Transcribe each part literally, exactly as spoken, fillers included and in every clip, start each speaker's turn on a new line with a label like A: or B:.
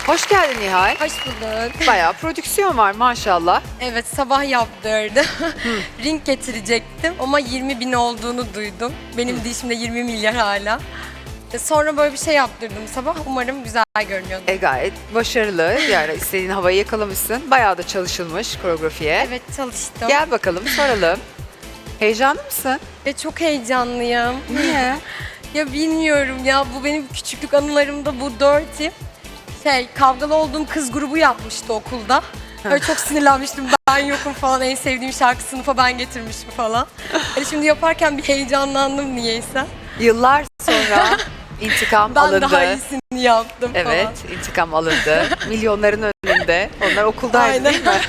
A: Hoş geldin Nihal.
B: Hoş bulduk.
A: Bayağı prodüksiyon var maşallah.
B: Evet, sabah yaptırdı. Ring getirecektim ama yirmi bin olduğunu duydum. Benim de işimde yirmi milyar hala. Sonra böyle bir şey yaptırdım sabah. Umarım güzel görünüyordu.
A: E gayet başarılı. Yani istediğin havayı yakalamışsın. Bayağı da çalışılmış koreografiye.
B: Evet, çalıştım.
A: Gel bakalım soralım. Heyecanlı mısın?
B: Ve çok heyecanlıyım.
A: Niye?
B: Ya bilmiyorum ya, bu benim küçüklük anılarımda bu Dirty. Şey, kavgalı olduğum kız grubu yapmıştı okulda. Böyle çok sinirlenmiştim, ben yokum falan, en sevdiğim şarkı sınıfa ben getirmişim falan. Hani şimdi yaparken bir heyecanlandım niyeyse.
A: Yıllar sonra intikam
B: Ben
A: alındı.
B: daha iyisini yaptım
A: Evet,
B: falan.
A: intikam alındı. Milyonların önünde. Onlar okuldaydı
B: Aynen.
A: değil mi?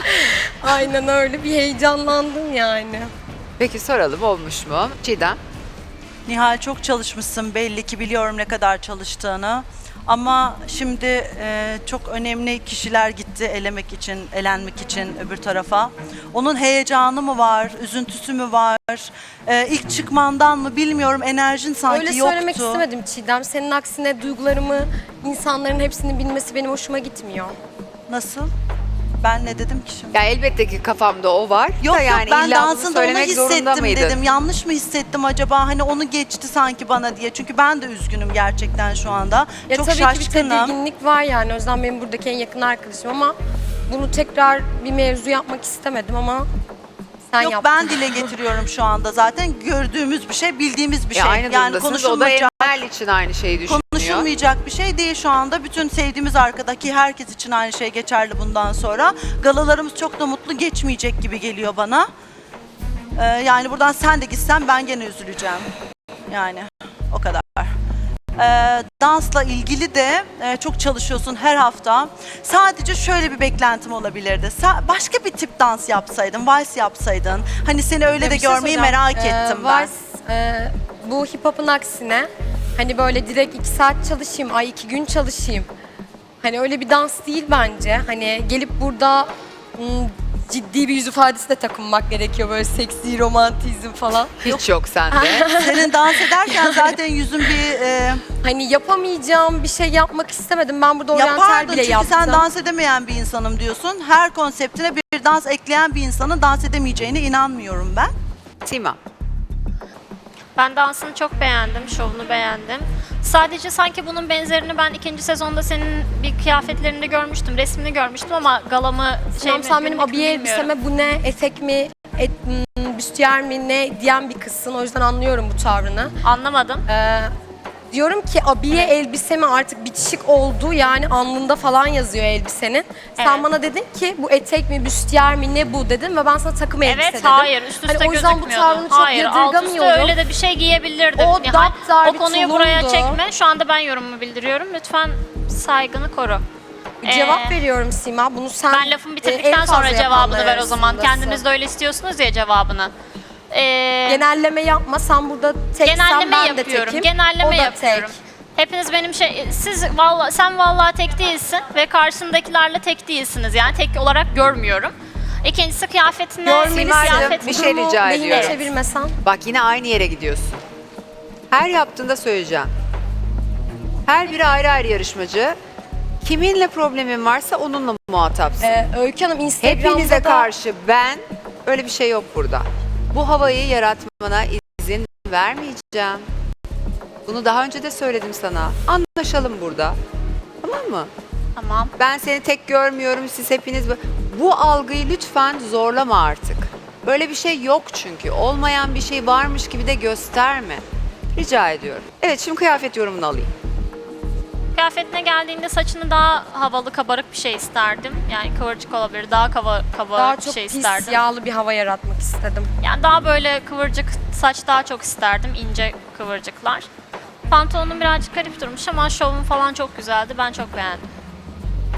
B: Aynen öyle, bir heyecanlandım yani.
A: Peki soralım, olmuş mu? Çiğdem?
C: Nihal, çok çalışmışsın, belli ki biliyorum ne kadar çalıştığını. Ama şimdi e, çok önemli kişiler gitti elemek için, elenmek için öbür tarafa. Onun heyecanı mı var, üzüntüsü mü var, e, ilk çıkmandan mı bilmiyorum, enerjin sanki
B: Öyle
C: yoktu.
B: söylemek istemedim Çiğdem. Senin aksine duygularımı insanların hepsinin bilmesi benim hoşuma gitmiyor.
C: Nasıl? Ben ne dedim ki şimdi?
A: Ya elbette ki kafamda o var.
C: Yok
A: da yani
C: yok, ben
A: illa bunu
C: dansında onu
A: söylemek zorunda
C: hissettim
A: mıydın?
C: dedim. Yanlış mı hissettim acaba? Hani onu geçti sanki bana diye. Çünkü ben de üzgünüm gerçekten şu anda.
B: Ya
C: çok
B: tabii ki bir
C: şaşkınım.
B: tedirginlik var yani. O yüzden benim buradaki en yakın arkadaşım ama bunu tekrar bir mevzu yapmak istemedim ama sen
C: Yok,
B: yaptın.
C: ben dile getiriyorum şu anda zaten. Gördüğümüz bir şey, bildiğimiz bir
A: Ya
C: şey.
A: aynı
C: Yani
A: durumdasınız. O da
C: konuşulmayacak,
A: Emel için aynı şeyi düşünüyor.
C: konuşulmayacak bir şey değil şu anda. Bütün sevdiğimiz arkadaki herkes için aynı şey geçerli bundan sonra. Galalarımız çok da mutlu geçmeyecek gibi geliyor bana. Ee, yani buradan sen de gitsen ben gene üzüleceğim. Yani o kadar. Ee, dansla ilgili de e, çok çalışıyorsun her hafta. Sadece şöyle bir beklentim olabilirdi. Sa- başka bir tip dans yapsaydın, vals yapsaydın. Hani seni öyle
B: Ya
C: de
B: bir şey
C: görmeyi
B: söyleyeceğim.
C: merak
B: Ee,
C: ettim ben.
B: vals, e, bu hip hop'un aksine hani böyle direkt iki saat çalışayım, ay iki gün çalışayım. Hani öyle bir dans değil bence. Hani gelip burada hmm, ciddi bir yüz ifadesi de takınmak gerekiyor. Böyle seksi, romantizm falan.
A: Hiç yok sende.
C: Senin dans ederken zaten yüzün bir e,
B: Hani yapamayacağım bir şey yapmak istemedim. Ben burada oryantal
C: yapardın
B: bile
C: çünkü
B: yaptım.
C: sen dans edemeyen bir insanım diyorsun. Her konseptine bir dans ekleyen bir insanın dans edemeyeceğine inanmıyorum ben.
A: Sima.
D: Ben dansını çok beğendim, şovunu beğendim. Sadece sanki bunun benzerini ben ikinci sezonda senin bir kıyafetlerinde görmüştüm, resmini görmüştüm ama galamı şey
B: Tamam,
D: mi,
B: sen benim
D: günlük mü
B: abiye
D: bilmiyorum.
B: elbiseme bu ne, etek mi, et, m, büstiyer mi ne diyen bir kızsın. O yüzden anlıyorum bu tavrını.
D: Anlamadım.
B: Ee, diyorum ki abiye elbisemi artık bitişik oldu, yani alnında falan yazıyor elbisenin. Sen
D: Evet.
B: bana dedin ki bu etek mi, büstiyer mi ne bu dedin ve ben sana takım elbise
D: Evet,
B: dedim.
D: hayır, üst üste
B: Hani o yüzden bu
D: gözükmüyordu.
B: tavrını çok
D: Hayır, alt üstte
B: yadırgamıyorum.
D: öyle de bir şey giyebilirdin.
B: O
D: Nihal.
B: daptar
D: O
B: bir
D: konuyu buraya
B: tulumdu.
D: çekme. Şu anda ben yorumumu bildiriyorum. Lütfen saygını koru.
B: Cevap
D: Ee,
B: veriyorum Sima. Bunu sen
D: Ben lafımı
B: e,
D: bitirdikten
B: en
D: sonra
B: fazla
D: cevabını
B: yapanlar
D: ver o zaman.
B: arasındasın.
D: Kendiniz de öyle istiyorsunuz ya cevabını. Ee,
B: Genelleme yapma. Sen burada teksen
D: Genelleme
B: ben de
D: yapıyorum.
B: tekim.
D: Genelleme
B: o da
D: yapıyorum.
B: tek.
D: Hepiniz benim şey, siz vallahi sen vallahi tek değilsin ve karşındakilerle tek değilsiniz. Yani tek olarak görmüyorum. İkincisi kıyafetine,
B: Görmelisin.
D: kıyafet
A: bir şey
B: Durumu
A: rica
B: lehine
A: ediyorum.
B: çevirmesen.
A: Bak yine aynı yere gidiyorsun. Her yaptığında söyleyeceğim. Her biri ayrı ayrı yarışmacı. Kiminle problemin varsa onunla muhatapsın.
B: Ee, Öykü Hanım Instagram'da
A: Hepinize
B: da
A: karşı ben, öyle bir şey yok burada. Bu havayı yaratmana izin vermeyeceğim. Bunu daha önce de söyledim sana. Anlaşalım burada. Tamam mı?
D: Tamam.
A: Ben seni tek görmüyorum, siz hepiniz... bu- Bu algıyı lütfen zorlama artık. Böyle bir şey yok çünkü. Olmayan bir şey varmış gibi de gösterme. Rica ediyorum. Evet, şimdi kıyafet yorumunu alayım.
D: Kıyafetine geldiğinde saçını daha havalı, kabarık bir şey isterdim. Yani kıvırcık olabilir, daha kaba, kabarık
B: daha
D: bir
B: çok
D: şey
B: pis,
D: isterdim.
B: yağlı bir hava yaratmak istedim.
D: Yani daha böyle kıvırcık saç daha çok isterdim, ince kıvırcıklar. Pantolonun birazcık garip durmuş ama şovun falan çok güzeldi. Ben çok beğendim.